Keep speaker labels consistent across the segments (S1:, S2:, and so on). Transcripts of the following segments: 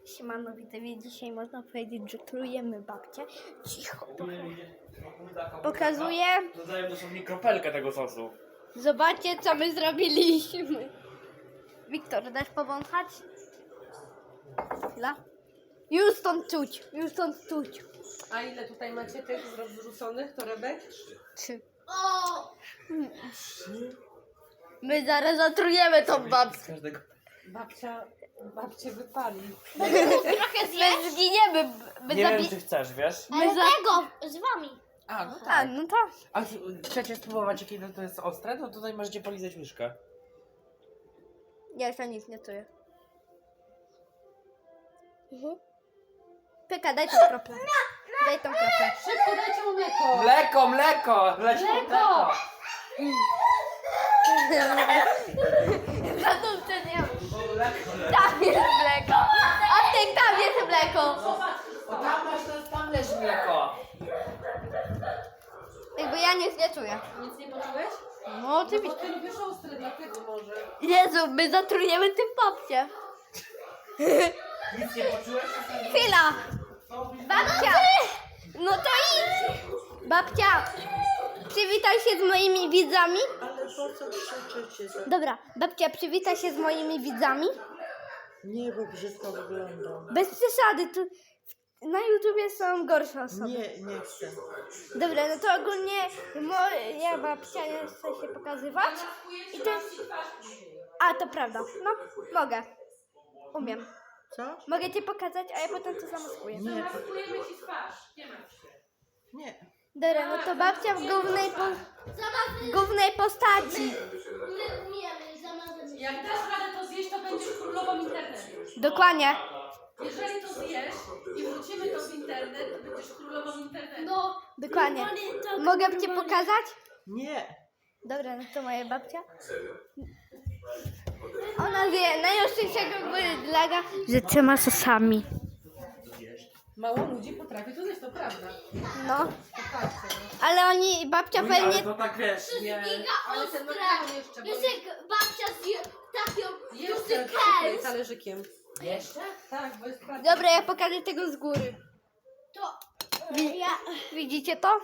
S1: Siemano, widzowie, dzisiaj można powiedzieć, że trujemy babcię. Cicho, pokazuję.
S2: Dodaję dosłownie kropelkę tego sosu.
S1: Zobaczcie, co my zrobiliśmy. Wiktor, dasz powąchać? Chwila. Już stąd czuć, już stąd czuć.
S3: A ile tutaj macie tych zrzuconych torebek?
S1: 3. My zaraz zatrujemy tą babcię.
S2: Każdego.
S3: Babcie wypali.
S1: Trochę my zginiemy. My
S2: Nie wiem, czy chcesz, wiesz?
S1: My
S4: Tego z wami.
S2: A, no
S1: A,
S2: tak.
S1: no tak.
S2: A chcecie spróbować, jakie to jest ostre? No tutaj możecie polizać łyżkę.
S1: Ja jeszcze nic nie czuję. Pyka, daj tą kroplę. Daj tą kroplę.
S3: Szybko dajcie mu mleko.
S2: Mleko, mleko! Leć po mleko!
S1: Za to nie.
S2: Mleko,
S1: Tam jest mleko. A ty, tam jest mleko.
S2: O, tam masz, tam leży mleko.
S1: Jakby ja nic nie czuję.
S3: Nic nie poczułeś?
S1: No
S3: Bo
S1: oczywiście.
S3: ty lubisz ostre, dlatego może.
S1: Jezu, my zatrujemy tym babcię.
S2: Nic nie poczułeś?
S1: Chwila. Babcia. No to idź. Babcia. Przywitaj się z moimi widzami.
S5: Ale po co krzyczycie?
S1: Dobra, babcia, przywitaj się z moimi widzami.
S5: Nie, bo brzydko wyglądam.
S1: Bez przesady, tu na YouTubie są gorsze osoby.
S5: Nie chcę.
S1: Dobra, no to ogólnie moja babcia nie chce się pokazywać. I to... A, to prawda. No, mogę. Umiem.
S5: Co?
S1: Mogę cię pokazać, a ja potem to zamaskuję.
S5: Nie.
S3: Kupujemy ci twarz. Nie martw się.
S5: Nie.
S1: Dobra, no to babcia w głównej postaci.
S3: Jak dasz radę to zjeść, to będziesz królową internetu.
S1: Dokładnie.
S3: Jeżeli to zjesz i wrócimy to w internet, to będziesz królową internetu.
S4: No,
S1: Dokładnie. Mogę cię pokazać?
S5: Nie.
S1: Dobra, no to moja babcia. Ona wie najostrzejszego bydlaga z 3 sosami.
S3: Mało ludzi potrafi to zjeść, to prawda.
S1: No,
S3: Popatrzcie.
S1: ale babcia
S2: Ale
S1: pewnie...
S2: to tak wiesz, nie...
S3: Ale ten makaron jeszcze, bo
S4: Jest jak babcia zje taką
S3: jeszcze
S4: duży
S3: tutaj
S4: kęs.
S3: talerzykiem.
S2: Jeszcze?
S3: Tak, bo jest prawda.
S1: Dobra, ja pokażę tego z góry.
S4: To
S1: Widzicie to?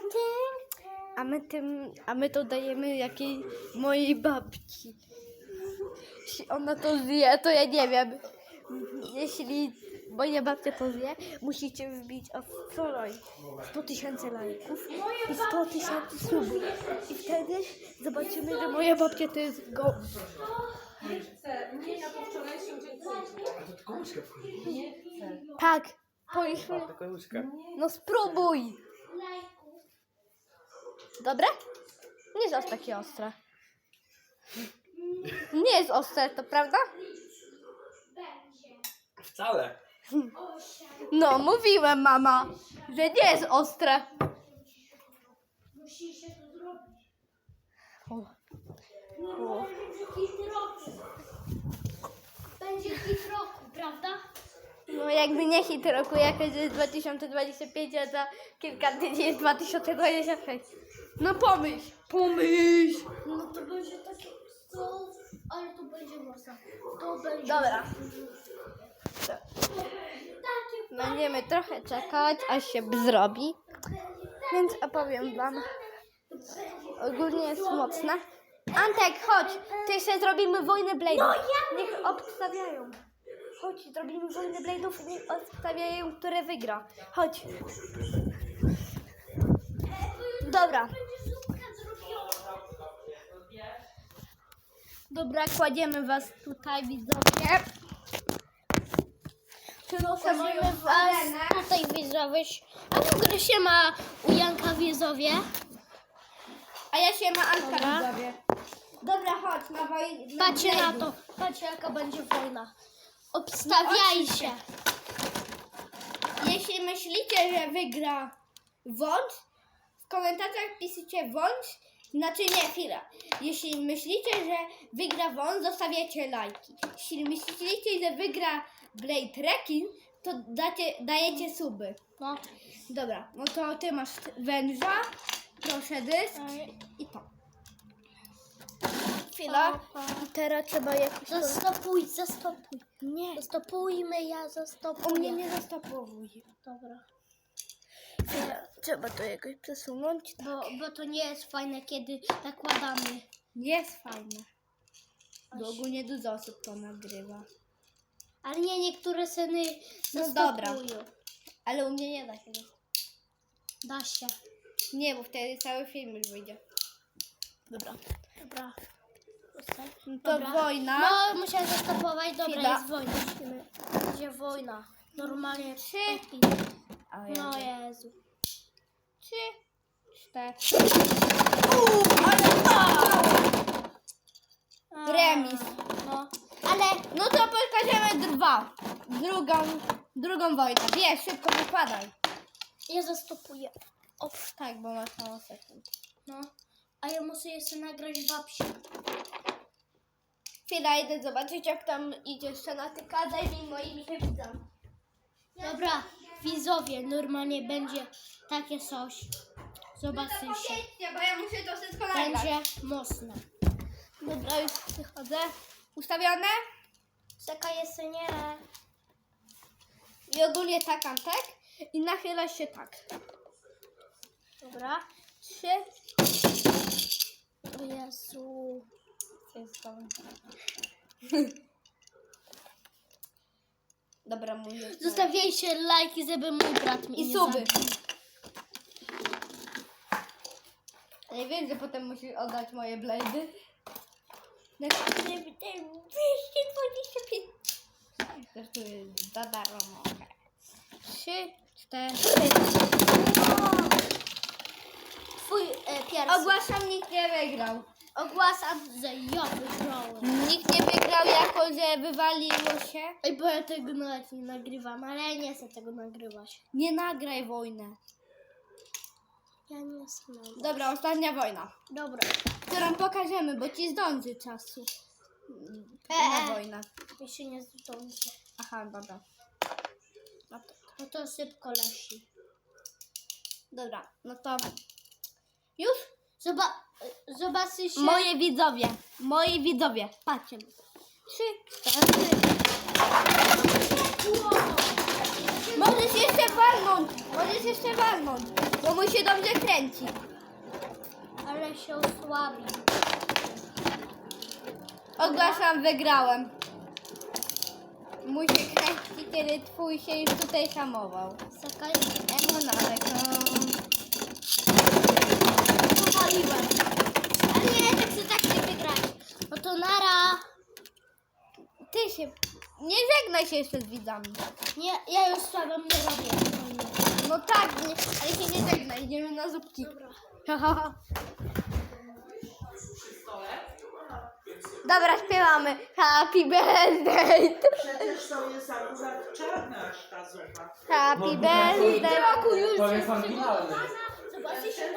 S1: A my to dajemy mojej babci. Jeśli ona to zje, to ja nie wiem. Jeśli moja babcia to zje, musicie wbić o wczoraj 100 000 lajków i 100 000 subów. I wtedy zobaczymy, że moja babcia to jest
S3: Nie chcę. Nie, ja po wczorajszym dziękuję.
S2: A to tylko łyżkę wchodzi.
S3: Nie chcę.
S1: Tak, powiedzmy.
S2: Tylko łyżkę.
S1: No spróbuj. Dobre? Nie jest aż takie ostre. Nie jest ostre, to prawda?
S2: Wcale.
S1: No, mówiłem, mama, że nie jest ostre.
S4: musi się to zrobić.
S1: O.
S4: Będzie hit roku. Będzie hit roku, prawda?
S1: No jakby nie hit roku, jakoś jest 2025, a za kilka dni jest 2026. No pomyśl.
S4: No to będzie takie to, ale to będzie mocno. To będzie.
S1: Dobra.
S4: Takie
S1: Będziemy trochę czekać, aż się zrobi. Więc opowiem wam. Ogólnie jest mocne. Antek, chodź. Ty jeszcze zrobimy wojnę blade'ów. Niech obstawiają. Chodź, zrobimy wojnę blade'ów i niech obstawiają, które wygra. Chodź. Dobra.
S4: będzie zupka zrobiona.
S1: Dobra, kładziemy was tutaj, widzowie.
S4: Kładziemy was tutaj widzowie. A w ogóle się ma u Janka w Jezowie.
S1: A ja się ma Antka, widzowie. Dobra, chodź na wojnę.
S4: Patrzcie na to. Patrzcie jaka będzie wojna. Obstawiajcie.
S1: Jeśli myślicie, że wygra wąż, w komentarzach piszcie wąż, znaczy nie, chwila. Jeśli myślicie, że wygra wąż, zostawiacie lajki. Jeśli myślicie, że wygra Blade Rekin, to dajecie suby.
S4: No.
S1: Dobra, no to ty masz węża, proszę dysk i to. Chwila. I teraz trzeba jakoś...
S4: Zastopuj, zastopuj.
S1: Nie,
S4: Zastopujmy, ja zastopuję.
S1: u mnie nie zastopowuj.
S4: Dobra.
S1: Chwila, trzeba to jakoś przesunąć.
S4: Bo to nie jest fajne, kiedy nakładamy.
S1: Jest fajne. Bo ogólnie dużo osób to nagrywa.
S4: Ale nie, niektóre sceny
S1: No
S4: zastopują.
S1: dobra. Ale u mnie nie da się.
S4: Da się.
S1: Nie, bo wtedy cały film już wyjdzie. Dobra.
S4: Dobra.
S1: No to
S4: Dobra.
S1: wojna.
S4: No, musiałem zastopować. Dobra,
S1: Chwila.
S4: jest wojna. Będzie wojna. Normalnie.
S1: 3.
S4: No Jezu.
S1: 3, 4. Remis.
S4: No. Ale
S1: No to pokażemy 2. Drugą wojnę. Wiesz, szybko wykładaj.
S4: ja zastopuję.
S1: O, tak, bo masz mało sekund.
S4: No. A ja muszę jeszcze nagrać babci.
S1: Chwila, idę zobaczyć, jak tam idzie jeszcze na tyka. Daj mi moimi się widzą.
S4: Dobra, widzowie, normalnie będzie takie coś. Zobaczycie.
S1: Bo ja muszę to wszystko nagrać.
S4: Będzie mocne.
S1: Dobra, już przychodzę. Ustawione?
S4: Czekaj, jeszcze nie.
S1: I ogólnie tak, Antek. I nachyla się tak.
S4: Dobra.
S1: 3.
S4: O Jezu.
S1: Dobra, mówię.
S4: Zostawiajcie lajki, żeby mój brat mi
S1: I
S4: nie
S1: suby.
S4: zabił.
S1: Nie wiem, że potem musisz oddać moje blady. Na 225. Zresztą jest za darmo. 3, 4.
S4: Twój pierwszy.
S1: Ogłaszam, nikt nie wygrał.
S4: Ogłaszam, że ja wygrałem.
S1: Nikt nie wygrał, jako że wywaliło się.
S4: Ej, bo ja tego nawet nie nagrywam, ale ja nie chcę tego nagrywać.
S1: Nie nagraj wojnę.
S4: Ja nie chcę nagrywać.
S1: Dobra, ostatnia wojna.
S4: Dobra.
S1: Którą pokażemy, bo ci zdąży czasu. Na wojnę.
S4: Mi się nie zdąży.
S1: Aha, dobra.
S4: No to szybko leci.
S1: Dobra, no to już?
S4: Zobaczycie.
S1: Moi widzowie, patrzcie. 3, 4. Możesz jeszcze walnąć, bo mu się dobrze kręci.
S4: Ale się osłabi.
S1: Ogłaszam, wygrałem. Musi kręcić, kiedy twój się już tutaj hamował.
S4: Czekaj.
S1: No nawet,
S4: Powaliłem. Ale nie, tak chcę tak nie wygrać. No to nara.
S1: Ty się... Nie żegnaj się jeszcze z widzami.
S4: Nie, ja już słabym nie robię.
S1: No tak, nie, ale się nie żegnaj, idziemy na zupki.
S4: Dobra.
S1: Dobra, śpiewamy. Happy birthday.
S5: Przecież to jest akurat czarna aż ta zupa.
S1: Happy birthday.
S2: To jest oryginalny.
S4: Zobaczycie,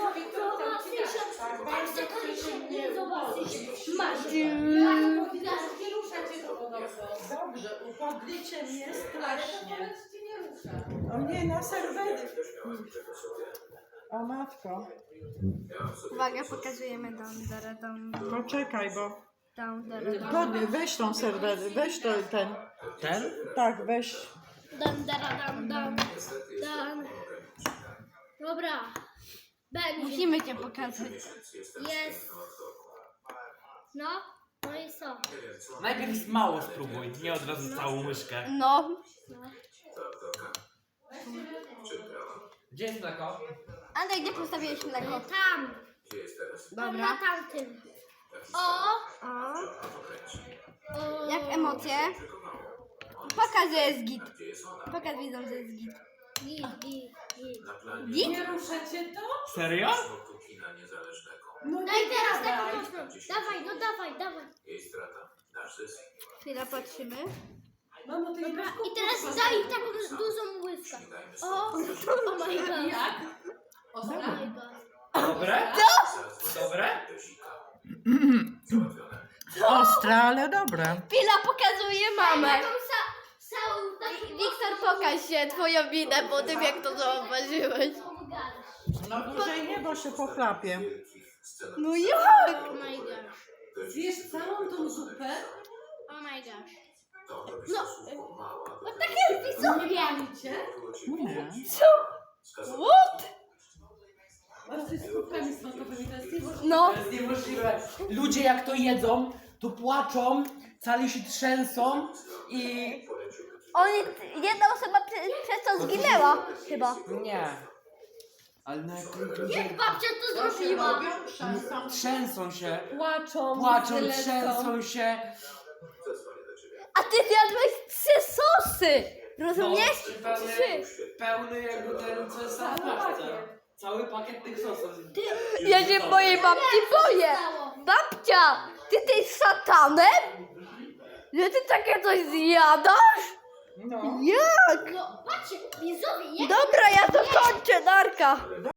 S3: Nie ruszacie to podobno.
S5: Dobrze, upodlicie mnie strasznie.
S3: Powiedz ci nie rusza.
S5: O nie, na serwery. O matko.
S1: Uwaga, pokazujemy dam.
S5: Poczekaj, bo... Weź tą serwery, weź to ten.
S2: Ten?
S5: Tak, weź.
S4: Dan. Dobra. Będzie.
S1: Musimy cię pokazać.
S4: Jest. No i co?
S2: Najpierw mało spróbuj, nie od razu całą łyżkę.
S1: No.
S2: Gdzie jest mleko?
S1: Andrzej, gdzie postawiłeś mleko?
S4: Tam. Tam
S1: Dobra.
S4: na tamtym. O.
S1: Jak emocje? Pokaż, że jest git. Pokaż widzom, że jest git. Git?
S3: Nie ruszacie to?
S2: Serio?
S5: No
S4: Daj teraz taką mocną. Dawaj.
S1: Chwila, patrzymy.
S3: Mamo, ty nie masz
S4: I teraz daj taką dużą łyżkę. O my god.
S3: Jak?
S4: Oh my god.
S2: Dobre? Dobre?
S5: Ostre, ale dobre.
S1: Chwila, pokazuje mamę.
S4: Taką całą
S1: Wiktor, pokaż się, twoją minę po tym, jak to zauważyłeś.
S5: No dłużej nie, bo się pochlapie.
S1: No jak?
S4: Oh my god.
S3: Zjesz całą tą zupę.
S4: Oh my gosh.
S1: No,
S3: Zamienicie.
S5: Nie.
S3: Masz coś z kubkami smakowymi, to jest niemożliwe.
S1: no.
S2: To jest niemożliwe. Ludzie jak to jedzą, to płaczą, cali się trzęsą i...
S1: Jedna osoba przez to zginęła chyba.
S2: Nie. Ale no jak ludzie
S4: Babcia to zrobiła.
S5: Robią szansą.
S2: trzęsą się,
S3: Płaczą,
S2: płaczą,
S3: lecą.
S2: trzęsą się.
S1: A ty zjadłeś 3 sosy! Rozumiesz?
S2: No,
S1: Trzy.
S2: pełny jakby ten, co jest na paczce. Cały pakiet tych sosów.
S1: Ja się mojej babci boję. Babcia, ty tej szatanem? Że ty takie coś zjadasz?
S2: No.
S1: Jak?
S4: No, patrzcie, widzowie, jak
S1: Dobra, ja to kończę, Darka.